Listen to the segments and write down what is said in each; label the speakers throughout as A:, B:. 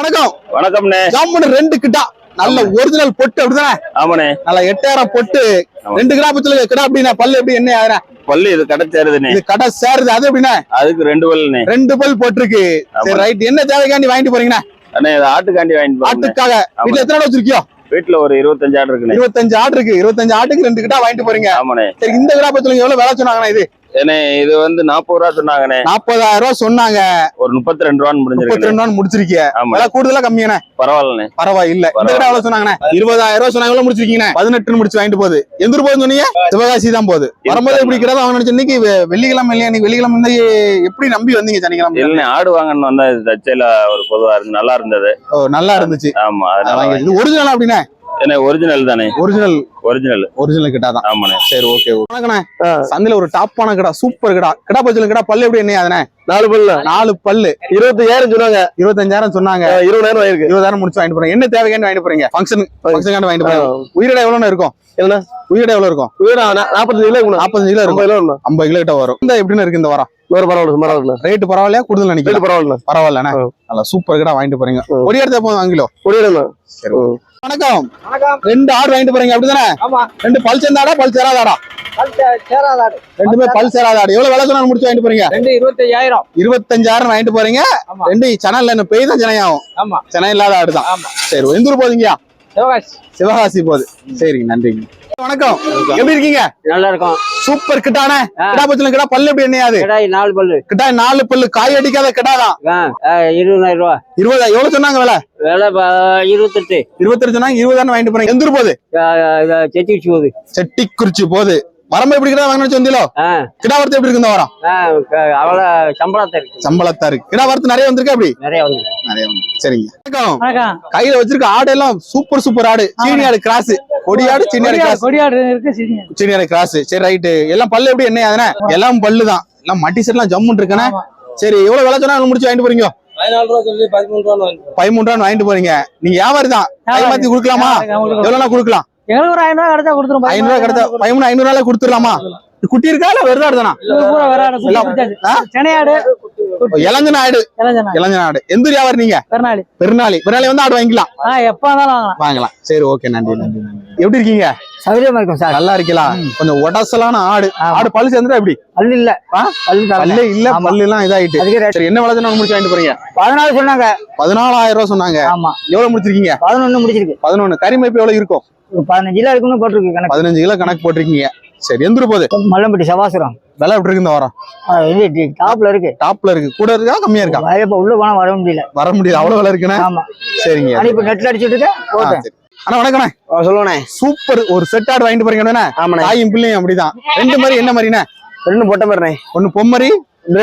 A: வணக்கம்.
B: வணக்கம்ண்ணே.
A: ஜாமுன் 2 கிட்டா நல்ல ஒரிஜினல் பொட்டு அப்படிதானே?
B: ஆமாண்ணே.
A: நல்ல 8000 பொட்டு 2 கிலோ பச்சல கிடா அப்படின்னா பல்லு எப்படி என்ன ஆகுற?
B: பல்லு இது கடை சேருதுண்ணே.
A: இது கடை சேருது அது எப்படின்னா?
B: அதுக்கு 2 பல்லுண்ணே.
A: 2 பல் போட்டுருக்கு. சரி ரைட். என்ன தேவைக்காண்டி வாங்கிட்டு போறீங்கண்ணே?
B: அண்ணே இது ஆட்டுக்காண்டி வாங்கிட்டு போறேன்.
A: ஆட்டுக்காக. வீட்ல எத்தனை ஆடு வச்சிருக்கியோ?
B: வீட்டுல ஒரு 25 ஆடு இருக்குண்ணே.
A: 25 ஆடு இருக்கு. 25 ஆட்டுக்கு 2 கிட்டா வாங்கிட்டு போறீங்க.
B: ஆமாண்ணே.
A: சரி இந்த கிலோ பச்சல எவ்வளவு விலை சொன்னாங்கண்ணே இது?
B: ஏன்னா இது வந்து 40 ரூபா சொன்னாங்கண்ணே.
A: 40000 ரூபாய் சொன்னாங்க.
B: ஒரு 32 ரூபான்னு முடிஞ்சிருக்கு.
A: 32 ரூபான்னு முடிச்சிருக்கீங்க. விலை கூடுதலா கம்மியானே?
B: பரவாயில்லண்ணே.
A: பரவாயில்ல. இந்த கிட்ட எவ்வளவு சொன்னாங்கண்ணே? 20000 ரூபாய் சொன்னாங்க. எவ்வளவு முடிச்சிருக்கீங்கண்ணே? 18 முடிச்சு வாங்கிட்டு போகுது. எந்த ஊர் போகுதுன்னு சொன்னீங்க? சிவகாசி தான் போகுது. வரும்போது எப்படி கிடா வாங்க நினைச்சு இன்னைக்கு வெள்ளிக்கிழமை இல்லையா? நீங்க வெள்ளிக்கிழமை வந்து எப்படி நம்பி வந்தீங்க சனிக்கிழமை?
B: இல்ல ஆடு வாங்கன்னு வந்தா இது தச்சையில ஒரு பொதுவா இருந்து நல்லா இருந்தது.
A: ஓ நல்லா இருந்துச்சு.
B: ஆமா
A: இது ஒரிஜினல் அப்படின்னா?
B: என்ன ஒரிஜினல் தானே.
A: ஒரிஜினல் கிட்டா தான்.
B: ஆமாண்ணே.
A: சரி ஓகே. வணக்கண்ணே. சந்தையில ஒரு டாப்பான கிடா, சூப்பர் கிடா. கிடா பச்சல கிடா பல்லு எப்படி என்ன ஆகுதுண்ணே?
B: 4 பல்லு.
A: 4 பல்லு
B: 25000 சொன்னாங்க.
A: 25000 சொன்னாங்க.
B: 20000 ஆயிருக்கு.
A: 20000 முடிச்சு வாங்கிட்டு போறீங்க. என்ன தேவைக்காண்டி வாங்கிட்டு போறீங்க? ஃபங்க்ஷனுக்காண்டி வாங்கிட்டு போறீங்க. உயிரிட எவ்வளவு இருக்கும்? என்ன உயிரிட எவ்வளவு இருக்கும்? 45 கிலோ இருக்கும். 45 கிலோ இருக்கும். 50 கிலோ கிட்ட வரும். இந்த எப்படின்னு இருக்கு இந்த வாரம்? பரவாயில்ல. ரேட் பரவாயில்லையா? கூடுதல் நினைக்கிறேன். பரவாயில்லண்ணே. நல்லா சூப்பர் கிடா வாங்கிட்டு போறீங்க. ஒரு இடத்த போதும் 1 கிலோ. சரி. வணக்கம். 2 ஆடு வாங்கிட்டு போறீங்க அப்படிதானே? 2 பல் சேர்ந்தாடா பல் சேராதாடா? ரெண்டுமே பல் சேராத ஆடு. எவ்வளவு விலை சொன்னா முடிச்சு வாங்கிட்டு போறீங்க? 25,000 வாங்கிட்டு போறீங்க. 2 சேனல்ல என்ன பெய் தான் சென்னையாகும். சென்னை இல்லாத ஆடு தான். சரி எந்த ஊர் போதீங்கயா? சிவகாசி போகுது. சரிங்க நன்றிங்க. வணக்கம். எப்படி இருக்கீங்க?
C: நல்லா இருக்கும்.
A: சூப்பர் கிட்டானே. கிடா பச்சல கிடா பல்லு எப்படி என்னையாது?
C: கிடாய் 4 பல்லு.
A: கிடாய் 4 பல்லு காய் அடிக்காத கிடாதான்.
C: 20000 ரூபாய்.
A: 20 எவ்வளவு சொன்னாங்க விலை?
C: 28
A: சொன்னாங்க. 20 வாங்கிட்டு போறீங்க. எந்த ஊர் போகுது?
C: செட்டிக்குறிச்சி போகுது.
A: செட்டிக்குறிச்சி போகுது. வரம்பு எப்படி கிடா வாங்கினு வந்தீங்களோ? கிடா வரத்து எப்படி இருக்கு இந்த வாரம்?
C: அவ்வளவு சம்பளத்தா இருக்கு.
A: கிடா வரத்து நிறைய வந்திருக்கு. அப்படி
C: நிறைய வந்து.
A: சரிங்க. வணக்கம். கையில வச்சிருக்க ஆடு எல்லாம் சூப்பர் ஆடு. சீனி ஆடு கிராஸ். கொடியாடு சீனி கிராஸ்.
C: கொடியாடு இருக்கு.
A: சீனி ஆடு கிராஸ். சரி ரைட்டு. எல்லாம் பல்லு எப்படி என்ன ஆகுதுண்ணே? எல்லாம் பல்லு தான். எல்லாம் மட்டி செட் எல்லாம் ஜம்முன்னு இருக்குண்ணே. சரி எவ்வளவு விலை சொன்னா முடிச்சு வாங்கிட்டு போறீங்க? 13 ரூபா வாங்கிட்டு போறீங்க. நீங்க வியாபாரி தான். கை மாத்தி கொடுக்கலாமா? எவ்வளவு கொடுக்கலாம்?
C: எங்களுக்கு ஒரு 500 கிடைச்சா கொடுத்துரும்.
A: 500 கிடைச்சா 500 கொடுத்துடலாமா? குட்டி இருக்கா இல்ல வெறுதா ஆடுதானா? இளஞ்சனாடு. எந்த வியாபாரி நீங்க? பெருநாளி வந்து ஆடு வாங்கிக்கலாம்.
C: எப்ப
A: வாங்கலாம். சரி ஓகே நன்றி. எப்படி இருக்கீங்க?
C: சௌகரியமா இருக்கும் சார்.
A: நல்லா இருக்கலாம். கொஞ்சம் உடசலான ஆடு. பல்லு சேர்ந்துட்டா எப்படி?
C: பல்லு இல்ல.
A: பல்லு எல்லாம் இதாயிட்டு. சரி என்ன விலை சொன்னா முடிச்சு வாங்கிட்டு போறீங்க?
C: 14 சொன்னாங்க.
A: 14,000 ரூபாய் சொன்னாங்க.
C: ஆமா.
A: எவ்வளவு முடிச்சிருக்கீங்க?
C: 11 முடிச்சிருக்கு.
A: 11. கறிமைப்பு எவ்வளவு இருக்கும்?
C: 15 கிலோ இருக்குன்னு போட்டிருக்கு கணக்கு.
A: 15 கிலோ கணக்கு போட்டிருக்கீங்க. சரி எந்த போகுது?
C: மல்லம்பட்டி சவாசுரம்.
A: விலை எப்படி இருக்கு இந்த வாரம்?
C: டாப்ல இருக்கு.
A: கூட இருக்கா கம்மியா இருக்கா?
C: உள்ள போனா வர முடியல.
A: அவ்வளவு விலை இருக்குண்ணே.
C: ஆமா
A: சரிங்க.
C: இப்ப நெட்ல அடிச்சுட்டு இருக்கேன்.
A: அண்ணா வணக்கண்ணே.
C: சொல்லுவண்ணே.
A: சூப்பர் ஒரு செட் ஆடு வாங்கிட்டு போறீங்க. தாயும் பிள்ளையும் அப்படிதான். 2 மாதிரி என்ன மாதிரிண்ணே?
C: 2 பொட்டை மாதிரிண்ணே.
A: 1 பொம்மரி.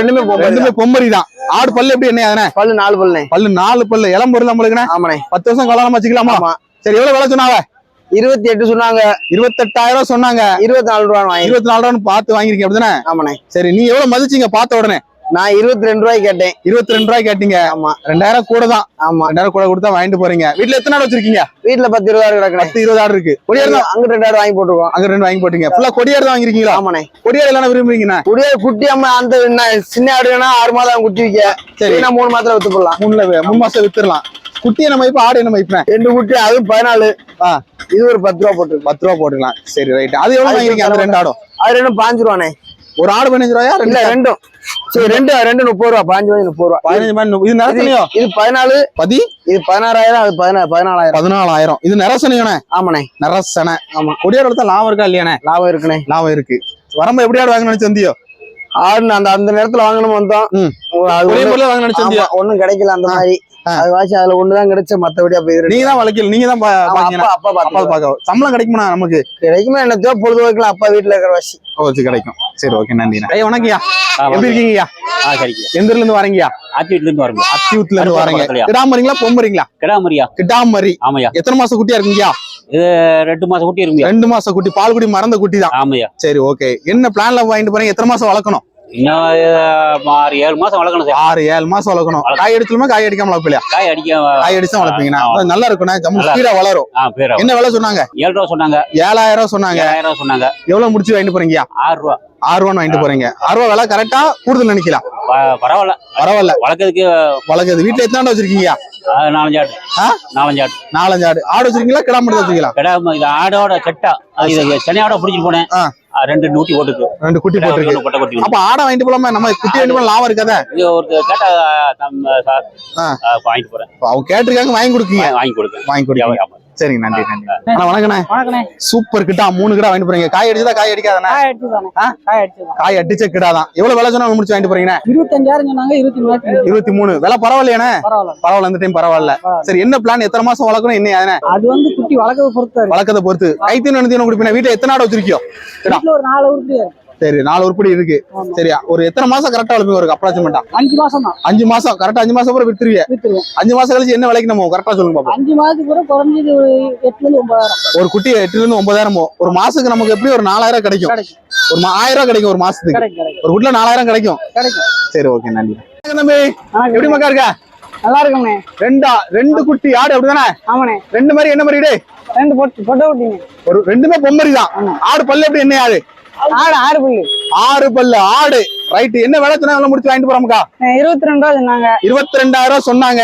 A: 2 பொம்மரி தான். ஆடு பல்லு எப்படி என்ன ஆகுதுண்ணே?
C: பல்லு 4 பல்லுண்ணே.
A: பல்லு 4 பல்லு. இளம் பொருள் நம்மளுக்குண்ணே. 10 வருஷம் கல்யாணம் வச்சுக்கலாமா? சரி எவ்வளவு விலை சொன்னாங்க?
C: 28 சொன்னாங்க.
A: 28,000 சொன்னாங்க.
C: 24 ரூபா.
A: 24 ரூபான்னு பார்த்து வாங்கிருக்கீங்க அப்படிதானே?
C: ஆமாண்ணே.
A: சரி நீ எவ்வளவு மதிச்சீங்க பார்த்த உடனே?
C: நான் 22 ரூபாய் கேட்டேன்.
A: 22 ரூபாய் கேட்டீங்க. ஆமா 2000 கூட தான். ஆமா 2000 கூட கொடுத்தா வாங்கிட்டு போறீங்க. வீட்டுல எத்தனை ஆடு வச்சிருக்கீங்க?
C: வீட்டுல 10-20 ஆடு கிடக்கு.
A: 10-20 ஆடு இருக்கு. கொடியாடு
C: அங்க 2 ஆடு வாங்கி போட்டுருக்கோம்.
A: அங்க 2 வாங்கி போட்டீங்க. ஃபுல்லா கொடியாடு தான் வாங்கிருக்கீங்களா?
C: ஆமாண்ணே.
A: கொடியாடு எல்லாம் விரும்புறீங்கண்ணா?
C: கொடியாடு குட்டி அம்மா அந்த சின்ன ஆடுனா 6 மாதம் குட்டி வைக்க. சரி நான் 3 மாதத்துல வித்து போடலாம். 3 மாசம் வித்துடலாம். குட்டி என்ன மதிப்பு? ஆடு என்ன மதிப்பு? 2 குட்டி. அதுவும் 14. இது ஒரு 10 ரூபா போட்டு 10 ரூபா போட்டுக்கலாம். சரி ரைட். அது எவ்வளவு வாங்கிருக்கீங்க? அந்த 2 ஆடும்? அது 2 5 ரூபாண்ணே. ஒரு ஆடு 15 ரூபாயா? இல்ல 2. சரி 2 30 ரூபா. 5 ரூபாய் 30 ரூபா. 15 இது நரசனியோ? இது 14. இது 16,000. அது 14,000. 14,000. இது நரசனியோண்ணே? ஆமாண்ணே நரசனை. ஆமா கொடியாடு வளர்த்தா லாபம் இருக்கா இல்லையாண்ணே? லாபம் இருக்குண்ணே. லாபம் இருக்கு. வரம்பு எப்படி ஆடு வாங்கணும்னு நினைச்சந்தியோ? ஆடு அந்த நேரத்துல வாங்கணும் வந்தோம். வாங்க நினைச்சந்தியோ? ஒண்ணும் கிடைக்கல அந்த மாதிரி. அது வாசி அதுல ஒண்ணுதான் கிடைச்ச. மத்தபடி அப்ப நீங்க தான் வளர்க்கல. நீங்க தான் அப்பா பாக்க. சம்பளம் கிடைக்குமா நமக்கு? கிடைக்குமா என்னத்தோ பொழுது வைக்கலாம். அப்பா வீட்டுல இருக்கிற வாசி கிடைக்கும். சரி ஓகே நன்றி. வணக்கம்யா. எப்படி இருக்கீங்கய்யா? எந்த ஊர்ல இருந்து வரீங்கயா? அத்தியூட்ல இருந்து வரீங்க. அத்தியூட்ல இருந்து வரீங்க. கிடாமரிங்களா பொம்மரிங்களா? கிடாமரி. ஆமாயா. எத்தனை மாசம் குட்டியா இருக்குங்கயா? இது 2 மாசம் குட்டி இருக்குங்க.
A: 2 மாசம் குட்டி. பால் குடி மறந்த குட்டி தான். ஆமாயா. சரி ஓகே. என்ன பிளான்ல வாங்கிட்டு போறீங்க? எத்தனை மாசம் வளர்க்கணும்?
D: இன்னும் 6-7 மாசம் வளர்க்கணும் சார்.
A: 6-7 மாசம் வளர்க்கணும். காய் அடிச்சலுமா காய் அடிக்காம வளர்ப்பில்லையா?
D: காய் அடிக்க
A: காய் அடிச்சா வளர்ப்பீங்கன்னா நல்லா இருக்கும்ண்ணே. ஜம்மு ஸ்பீடா வளரும்.
D: பேர்
A: என்ன விலை சொன்னாங்க?
D: 7 ரூபா சொன்னாங்க.
A: 7000 சொன்னாங்க.
D: 7000 சொன்னாங்க.
A: எவ்வளவு முடிச்சு வாங்கிட்டு போறீங்க?
D: 6 ரூபா.
A: 6 ரூபான்னு வாங்கிட்டு போறீங்க. 6 ரூபா விலை கரெக்டா கூடுதல் நினைக்கலாம்.
D: பரவாயில்ல
A: பரவாயில்ல.
D: வளர்க்கறதுக்கு
A: வீட்டுல எத்தனை ஆடு வச்சிருக்கீங்க?
D: 4-5 ஆடு.
A: 4-5 ஆடு. ஆடு வச்சிருக்கீங்களா கிடா மட்டும் வச்சிருக்கீங்களா?
D: கிடாம இது ஆடோட செட்டா சென்னையோட பிடிச்சிட்டு போனேன். 2 ஊட்டி போட்டுருக்கு. 2 குட்டி போட்டுருக்கு.
A: அப்ப ஆடை வாங்கிட்டு போலாமா? நம்ம குட்டி வாங்கிட்டு போல லாபம் இருக்காதா?
D: இது ஒரு கேட்டா வாங்கிட்டு போறேன்.
A: அவங்க கேட்டிருக்காங்க வாங்கி கொடுக்கீங்க. வாங்கி கொடுங்க. சரிங்க, நன்றி நன்றி. வணக்கண்ணே. சூப்பர் கிட்டா 3 கிடா வாங்கிட்டு போறீங்க. காய் அடிச்சதா காய் அடிக்காதானே? காய் அடிச்ச கிடா தான். எவ்வளவு விலை சொன்னா முடிச்சு வாங்கிட்டு போறீங்க?
E: 25,000 சொன்னாங்க.
A: 23. விலை பரவாயில்லையானே? பரவாயில்ல. இந்த டைம் பரவாயில்ல. சரி, என்ன பிளான்? எத்தனை மாசம் வளர்க்கணும்? என்ன
E: அது வந்து குட்டி வளர்க்கறத பொறுத்து
A: கைத்தீன் என்ன குடிப்பீங்க? வீட்டுல எத்தனை ஆடு வச்சிருக்கியோ?
E: ஒரு 4 உருப்படி.
A: சரி, 4 உருப்படி இருக்கு. சரியா, ஒரு எத்தனை மாசம் கரெக்டா வளர்ப்பீங்க? ஒரு அப்ராக்சிமேட்டா
E: 5 மாசம் தான்.
A: 5 மாசம் கரெக்டா. 5 மாசம் அப்புறம் வித்துருவீங்க. 5 மாசம் கழிச்சு என்ன விலைக்கு நம்ம கரெக்டா சொல்லுங்க பாப்போம்.
E: 5 மாசத்துக்கு கூட குறைஞ்சது 8,000 இருந்து 9,000.
A: ஒரு குட்டி 8,000 இருந்து 9,000. ஒரு மாசத்துக்கு நமக்கு எப்படி ஒரு 4,000 கிடைக்கும். ஒரு 1000 கிடைக்கும் ஒரு மாசத்துக்கு. ஒரு குட்டில 4,000 கிடைக்கும். சரி, ஓகே, நன்றி. தம்பி எப்படி மக்கா இருக்கா?
E: நல்லா இருக்கும்ண்ணே.
A: 2 குட்டி ஆடு அப்படிதானே?
E: ஆமாண்ணே.
A: 2 மாதிரி என்ன மாதிரி?
E: 2 பொட்டை குட்டிங்க.
A: ஒரு 2மே பொம்மரி தான். ஆடு பல்லு எப்படி? என்ன ஆடு?
E: 6 பல்லு.
A: 6 பல்லு ஆடு. ரைட். என்ன விலை சொன்னா முடிச்சு வாங்கிட்டு போறோம்க்கா?
E: 22 ரூபா சொன்னாங்க.
A: 22,000 சொன்னாங்க.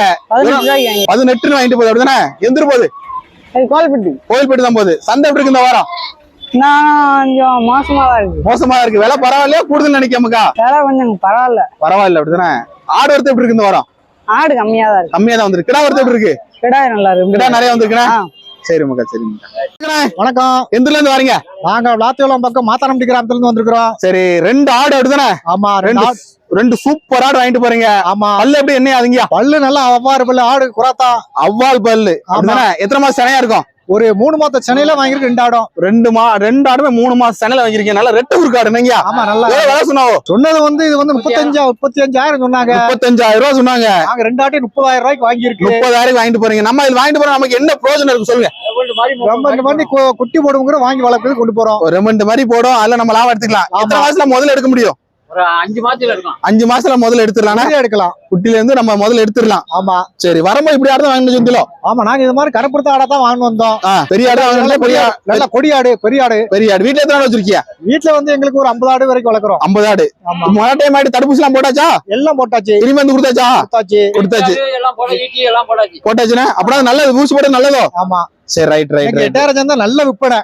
A: 18 வாங்கிட்டு போகுது அப்படிதானே? எந்திரு போகுது. கோயில்பட்டி தான் போகுது. சந்தை எப்படி இருக்கு இந்த வாரம்?
E: கொஞ்சம் மோசமா
A: தான் இருக்கு. விலை பரவாயில்லையா கூடுதல் நினைக்காமக்கா?
E: விலை கொஞ்சம்
A: பரவாயில்ல அப்படிதானே? ஆடு வரத்து எப்படி இருக்கு இந்த வாரம்?
E: ஆடு கம்மியா தான்
A: வந்துருக்கு. கிடா வரத்து எப்படி இருக்கு?
E: கிடா நல்லா இருக்கு.
A: கிடா நிறைய வந்துருக்குண்ணா. சரி மக்கா, சரி மக்கா.
C: வணக்கம்.
A: எந்தூர்ல இருந்து வரீங்க?
C: நாங்க விளாத்தியோளம் பக்கம் மாத்தானம்பட்டி கிராமத்துல இருந்து வந்திருக்கிறோம்.
A: சரி, 2 ஆடு அப்படிதானே?
C: ஆமா,
A: 2 சூப்பர் ஆடு வாங்கிட்டு போறீங்க.
C: ஆமா.
A: பல்லு எப்படி? என்ன ஆகுங்க?
C: பல்லு நல்லா அவ்வாறு பல்லு. ஆடு குறாத்தா
A: அவ்வால் பல்லு. எத்தனை மாசம் சனையா இருக்கும்?
C: ஒரு 3 மாத சென்னையில வாங்கிருக்கு. 2 ஆடும்.
A: 2 ஆடுமே 3 மாசம் சென்னையில வாங்கிருக்கீங்க. நல்லா ரெட்டு ஊருக்காடு. நீங்க
C: ஆமா, நல்லா
A: விலை சொன்னாவோ?
C: சொன்னது வந்து இது வந்து 35,000 சொன்னாங்க.
A: 35,000 ரூபாய் சொன்னாங்க.
C: நாங்க 2 ஆட்டையும் 30,000 ரூபாய்க்கு வாங்கிருக்கு.
A: 30,000 வாங்கிட்டு போறீங்க. நம்ம இது வாங்கிட்டு போறோம், நமக்கு என்ன பிரயோஜனம் இருக்கு சொல்லுங்க?
C: இந்த மாதிரி குட்டி போடுங்கிற வாங்கி வளர்க்கறது கொண்டு போறோம்.
A: ஒரு 2 மாதிரி போடும். அதுல நம்ம லாபம் எடுத்துக்கலாம். எத்தனை மாசத்துல முதல்ல எடுக்க முடியும்?
D: ஒரு 5 மாசத்துல இருக்கும்.
A: 5 மாசத்துல முதல்ல எடுத்துடலாம். குட்டில இருந்து நம்ம முதல்ல எடுத்துடலாம்.
C: ஆமா.
A: சரி, வரும்போது இப்படி ஆடு வாங்கணும் சொல்லிட்டோம்.
C: ஆமா, நாங்க இது மாதிரி கருப்புறத்த ஆடா தான் வாங்கி வந்தோம்.
A: பெரிய ஆடு வாங்கணும்.
C: நல்ல கொடியாடு, பெரிய ஆடு.
A: வீட்டுல எத்தனை ஆடு வச்சிருக்கியா?
C: வீட்டுல வந்து எங்களுக்கு ஒரு 50 ஆடு வரைக்கும் வளர்க்குறோம்.
A: 50 ஆடு. முதல் டைம் ஆடு தடுப்பூசி எல்லாம் போட்டாச்சா?
C: எல்லாம் போட்டாச்சு.
A: இனிமே வந்து கொடுத்தாச்சு. போட்டாச்சுன்னா அப்படின்னா நல்லது. ஊசி போட நல்லதோ?
C: ஆமா.
A: சரி, ரைட்.
C: 8,000 நல்ல விற்பனை.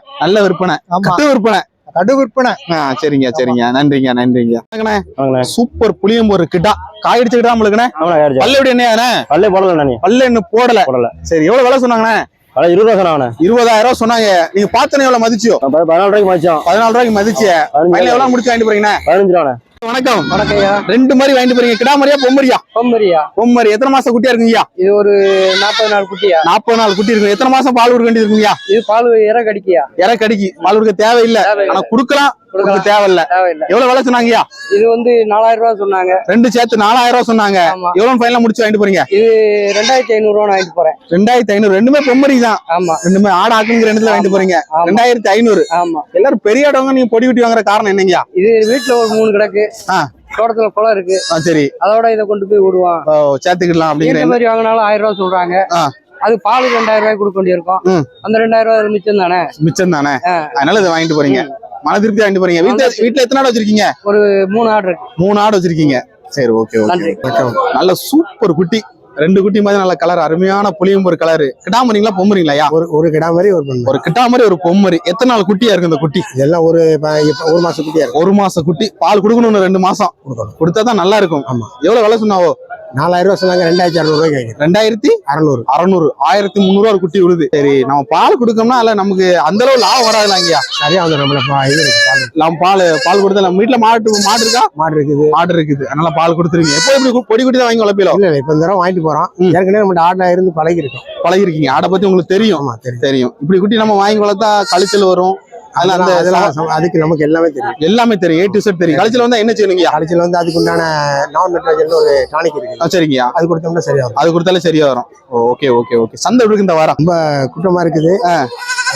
C: கடு விற்பனை.
A: சரிங்க. நன்றிங்க. சூப்பர் புளியம்பூர் கிட்டா. காய் அடிச்சு கிட்டா உங்களுக்கு? பல்லு எப்படி? என்ன பல்லு இன்னும் போடல. சரி, எவ்வளவு விலை சொன்னாங்கண்ணே?
C: 20 ரூபா சொன்னாங்க.
A: 20,000 சொன்னாங்க. நீங்க பார்த்தனே எவ்வளவு மதிச்சியோ?
C: 14 ரூபாய்க்கு மதிச்சோம்.
A: 14 ரூபாய்க்கு மதிச்சிய. எவ்வளவு முடிச்சு வாங்கிட்டு போறீங்க?
C: 15 ரூபா.
A: வணக்கம்.
E: வணக்கம்யா.
A: 2 மாதிரி வாங்கிட்டு போறீங்க. கிடா மாதிரியா பொம்மரியா? பொம்மரி. எத்தனை மாசம் குட்டியா இருக்குங்கய்யா?
E: இது ஒரு 40 நாள் குட்டியா?
A: 40 நாள் குட்டி இருக்கு. எத்தனை மாசம் பால் கொடுக்க வேண்டியது இருக்குங்கய்யா?
E: இது பால் இறக்கடிக்கியா?
A: இறக்கடிக்கு பால் கொடுக்க தேவையில்லை. ஆனா குடுக்கலாம், தேவையில்ல. எவ்வளவு விலை சொன்னாங்கய்யா?
E: இது வந்து 4,000 ரூபா சொன்னாங்க.
A: 2 சேர்த்து 4,000 ரூபா சொன்னாங்க. எவ்வளவு ஃபைனலா முடிச்சு வாங்கிட்டு போறீங்க?
E: இது 2,500 ரூபா வாங்கிட்டு போறேன்.
A: 2,500. 2மே பொம்மரி தான்.
E: ஆமா.
A: 2மே ஆடு ஆக்குங்கிற இடத்துல வாங்கிட்டு போறீங்க. 2,500.
E: ஆமா.
A: எல்லாரும் பெரிய இடவங்க நீங்க பொடி குட்டி வாங்குற காரணம் என்னங்கய்யா?
E: இது வீட்டுல ஒரு 3 கிடக்கு. தோட்டத்துல குளம் இருக்கு.
A: சரி.
E: அதோட இதை கொண்டு போய் விடுவான்.
A: சேர்த்துக்கலாம் அப்படிங்கிற
E: மாதிரி வாங்கினாலும் 1000 ரூபா சொல்றாங்க. அது பால் 2,000 ரூபாய்க்கு கொடுக்க வேண்டியிருக்கும். அந்த 2,000 ரூபாய் மிச்சம் தானே? அதனால இதை வாங்கிட்டு போறீங்க. மன திருப்தி வாங்கிட்டு போறீங்க. வீட்டுல எத்தனை ஆடு வச்சிருக்கீங்க? ஒரு 3 ஆடு இருக்கு. 3 ஆடு வச்சிருக்கீங்க. சரி, ஓகே. நல்ல சூப்பர் குட்டி. 2 குட்டி மாதிரி நல்ல கலர். அருமையான புளியம்பூர் கலர். கிடாமரிங்களா பொம்மரிங்களா? ஒரு கிடாமரி ஒரு கிடாமரி ஒரு பொம்மரி. எத்தனை நாள் குட்டியா இருக்கு இந்த குட்டி? இதெல்லாம் ஒரு மாசம் குட்டியா இருக்கு. 1 மாசம் குட்டி. பால் கொடுக்கணும். 2 மாசம் கொடுத்தாதான் நல்லா இருக்கும். ஆமா. எவ்வளவு விலை சொன்னாவோ? 4,000 ரூபாய் சொன்னாங்க. 2,600 ரூபாய்க்கு. 2,600. 1,300 ஒரு குட்டி விழுது. சரி, நம்ம பால் கொடுக்கோம்னா அல்ல நமக்கு அந்த அளவு லாபம் வராதுல? இங்கயா சரியா வந்து நம்ம பால் கொடுத்தா நம்ம வீட்டுல மாடு இருக்கா? மாடு இருக்குது. அதனால பால் கொடுத்துருங்க. எப்போ இப்படி பொடி குட்டி தான் வாங்கி வளர்ப்பீங்களோ? இல்ல, இப்ப இந்த தடவை வாங்கிட்டு போறோம். ஏற்கனவே நம்ம ஆடா இருந்து பழகிருக்கீங்க. ஆடை பத்தி உங்களுக்கு தெரியும். தெரியும். இப்படி குட்டி நம்ம வாங்கி வளர்த்தா கழிச்சல் வரும். அதுக்கு நமக்கு எல்லாமே தெரியும். A to Z தெரியும். கழிச்சல் வந்தா என்ன செய்யணுங்க? கழிச்சல் வந்து அதுக்கு உண்டான ஒரு டானிக் இருக்கு. சரிங்க. அது கொடுத்தோம்னா சரியா வரும். அது கொடுத்தாலே சரியா வரும். ஓகே. சந்தை இருக்கு இந்த வாரம் ரொம்ப கூட்டமா இருக்குது.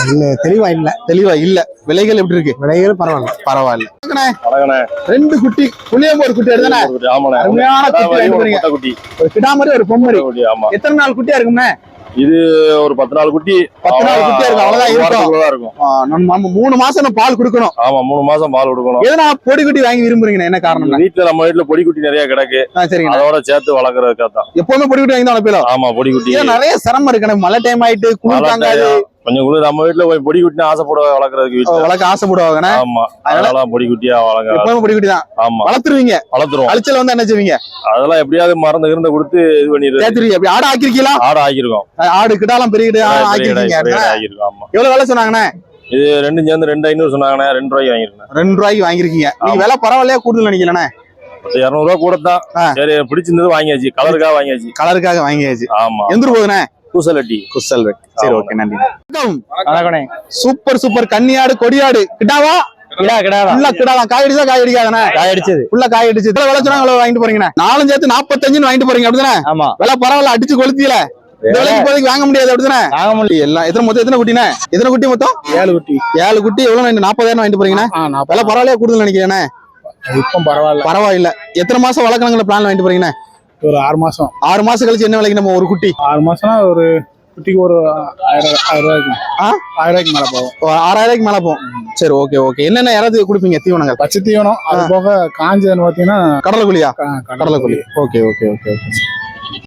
C: இன்னும் தெளிவா இல்ல விலைகள் எப்படி இருக்கு? விலைகள் பரவாயில்ல. ரெண்டு குட்டி புளியம்போர் குட்டி எடுத்தானே? அருமையான குட்டி வாங்கிட்டு போறீங்க. ஒரு கிடாமரி ஒரு பொம்மரி. எத்தனை நாள் குட்டியா இருக்கும்னே?
B: இது ஒரு 10 நாள் குட்டி.
C: 10 நாள் குட்டியா இருக்கு. அவ்வளவுதான் இருக்கும். நம்ம 3 மாசம் பால் கொடுக்கணும்.
B: ஆமா 3 மாசம் பால் கொடுக்கணும்.
C: எதனா பொடி குட்டி வாங்கி விரும்புறீங்க? என்ன காரணம்?
B: வீட்டுல நம்ம வீட்டுல பொடி குட்டி நிறைய கிடக்கு.
C: சரிங்க.
B: அதோட சேர்த்து வளர்க்கறதுக்காக தான்.
C: எப்பவுமே பொடி குட்டி வாங்கி தான் வளர்ப்பீங்களா?
B: ஆமா பொடி குட்டி.
C: நிறைய சிரமம் இருக்கு. மழை டைம் ஆயிட்டு குளிர் தாங்காது.
B: கொஞ்சம் கூட நம்ம வீட்டுல போய் பொடி குட்டினா ஆசைப்படுவ வளர்க்கறதுக்கு
C: வளர்க்க ஆசைப்படுவாங்க.
B: ஆமா அதனால பொடி குட்டியா வளர்க்க.
C: எப்பவுமே பொடி குட்டி தான்.
B: ஆமா
C: வளர்த்துருவீங்க.
B: வளர்த்துருவோம்.
C: அழிச்சல் வந்து என்ன செய்வீங்க?
B: அதெல்லாம் எப்படியாவது மருந்து கிருந்த கொடுத்து இது பண்ணிடுறது.
C: சேர்த்துருவீங்க. அப்படி ஆடு ஆக்கிருக்கீங்களா?
B: ஆடு ஆக்கிருக்கோம்.
C: ஆடு கிட்டாலாம் பெரிய கிட்ட ஆக்கிருக்கீங்க.
B: ஆமா.
C: எவ்வளவு விலை சொன்னாங்கண்ணே?
B: இது ரெண்டும் சேர்ந்து 2500 சொன்னாங்கண்ணே. 2 ரூபாய்க்கு வாங்கிருக்கேன்.
C: 2 ரூபாய்க்கு வாங்கிருக்கீங்க. நீங்க விலை பரவாயில்லையா கூடுதல் நினைக்கலண்ணே?
B: 200 ரூபாய் கூட தான். சரி பிடிச்சிருந்தது வாங்கியாச்சு. கலருக்காக வாங்கியாச்சு.
C: கலருக்காக வாங்கியாச்சு.
B: ஆமா.
C: எந்த போகுதுண்ணே?
B: குசலட்டி.
C: சரி ஓகே நன்றி. சூப்பர் கன்னியாடு கொடியாடு கிட்டாவா? காய் அடிச்சது காய் அடிச்சு வாங்கிட்டு போறீங்க. 4 சேர்த்து 45 வாங்கிட்டு போறீங்க அப்படிதானே? ஆமா. விலை பரவாயில்ல அடிச்சு கொளுத்தியில வாங்க முடியாது அப்படிதானே? எல்லாம் எத்தனை குட்டினே? எத்தனை குட்டி மொத்தம்? 7 குட்டி. 7 குட்டி எவ்வளவு? 40,000 வாங்கிட்டு போறீங்கண்ணே. விலை பரவாயில்லையா கூடுதல் நினைக்கிறேனே? பரவாயில்ல. எத்தனை மாசம் வளர்க்கணுங்கிற பிளான் வாங்கிட்டு போறீங்கண்ணே?
F: ஒரு 6 மாசம்.
C: 6 மாசம் கழிச்சு என்ன விலைக்கு நம்ம ஒரு குட்டி?
F: 6 மாசம்னா ஒரு குட்டிக்கு ஒரு 1000 ரூபாய்க்கு. 1000 ரூபாய்க்கு மேல போகும்.
C: 6000 ரூபாய்க்கு மேல போகும். சரி ஓகே. என்னென்ன யாராவது கொடுப்பீங்க தீவனங்கள்?
F: பச்சை தீவனம் அது போக காஞ்சதுன்னு பாத்தீங்கன்னா
C: கடலைக்குழியா? கடலைக்குழி. ஓகே.